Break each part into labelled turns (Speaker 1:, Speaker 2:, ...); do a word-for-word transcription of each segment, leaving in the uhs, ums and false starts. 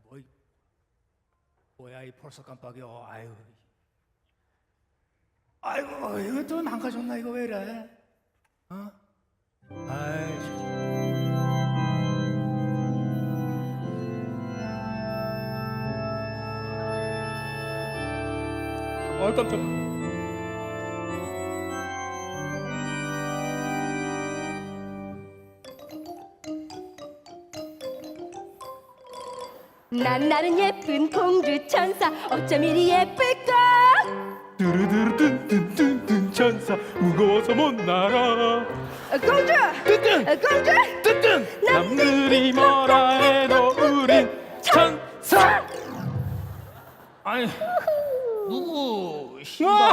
Speaker 1: 어이, 뭐야 이 벌써 깜빡이야. 아유, 아이고 이거 또 망가졌나 이거 왜 이래? 어? 아이 참. 어 깜짝이야.
Speaker 2: 난 나는 예쁜 공주 천사 어쩜 이리 예쁠까.
Speaker 3: 두루두루뚠뚠뚠뚠 천사 무거워서 못 날아.
Speaker 2: 어, 공주
Speaker 3: 뚠뚠
Speaker 2: 어, 공주
Speaker 3: 뚠뚠 남들이 뭐라 해도 우린 천사.
Speaker 1: 아니 누구 신발?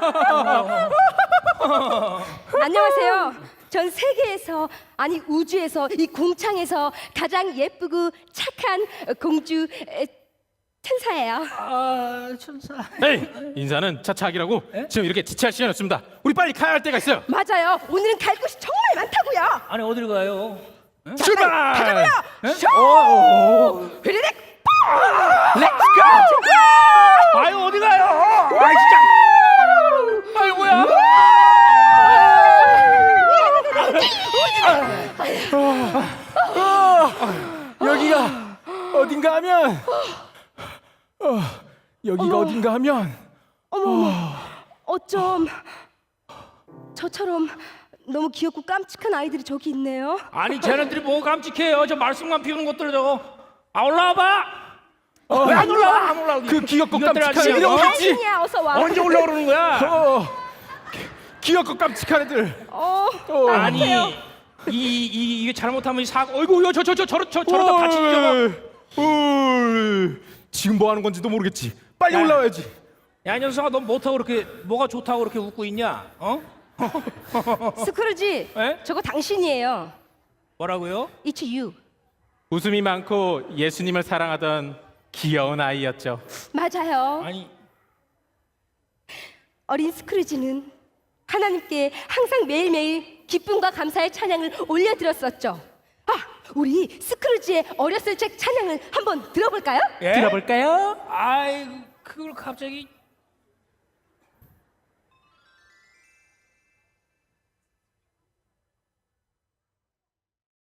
Speaker 2: 안녕하세요. 전 세계에서 아니 우주에서 이 공창에서 가장 예쁘고 착한 공주 에, 천사예요.
Speaker 1: 아 천사.
Speaker 3: 에이 인사는 차차하기라고. 지금 이렇게 지체할 시간이 없습니다. 우리 빨리 가야 할 때가 있어요.
Speaker 2: 맞아요. 오늘은 갈 곳이 정말 많다고요.
Speaker 1: 아니 어디로 가요?
Speaker 3: 출발.
Speaker 2: 가자고요. 쇼! 휘리릭
Speaker 3: 렛츠 고.
Speaker 1: 아유 어디 가요? 아 진짜. 아이고야.
Speaker 3: 여기가 어딘가 하면 어, 여기가
Speaker 2: 어머.
Speaker 3: 어딘가 하면
Speaker 2: 어머, 어쩜 저처럼 너무 귀엽고 깜찍한 아이들이 저기 있네요.
Speaker 1: 아니 쟤네들이 뭐 깜찍해요? 저 말썽만 피우는 것들 저거. 아 올라와봐.
Speaker 3: 어,
Speaker 1: 왜 안 올라와? 안 올라오게.
Speaker 3: 그 귀엽고
Speaker 1: 이것들
Speaker 3: 깜찍한
Speaker 1: 아니에요?
Speaker 3: 애들이
Speaker 1: 어?
Speaker 3: 어디 있지?
Speaker 2: 당신이야, 어서 와.
Speaker 1: 언제 올라오는 거야?
Speaker 3: 어, 귀엽고 깜찍한 애들.
Speaker 2: 어,
Speaker 3: 어.
Speaker 1: 아니 이, 이 이게 잘못하면 이 사고. 어이구 저 저 저 저러 저 저러다 같이 죽어.
Speaker 3: 어, 지금 뭐 하는 건지도 모르겠지. 빨리
Speaker 1: 야.
Speaker 3: 올라와야지.
Speaker 1: 야 이 녀석아 넌 못하고 그렇게 뭐가 좋다고 그렇게 웃고 있냐? 어?
Speaker 2: 스크루지,
Speaker 1: 에?
Speaker 2: 저거 당신이에요.
Speaker 1: 뭐라고요?
Speaker 2: It's you.
Speaker 3: 웃음이 많고 예수님을 사랑하던 귀여운 아이였죠.
Speaker 2: 맞아요.
Speaker 1: 아니
Speaker 2: 어린 스크루지는 하나님께 항상 매일매일 기쁨과 감사의 찬양을 올려드렸었죠. 아, 우리 스크루지의 어렸을 적 찬양을 한번 들어볼까요?
Speaker 1: 예?
Speaker 3: 들어볼까요?
Speaker 1: 아이고 그걸 갑자기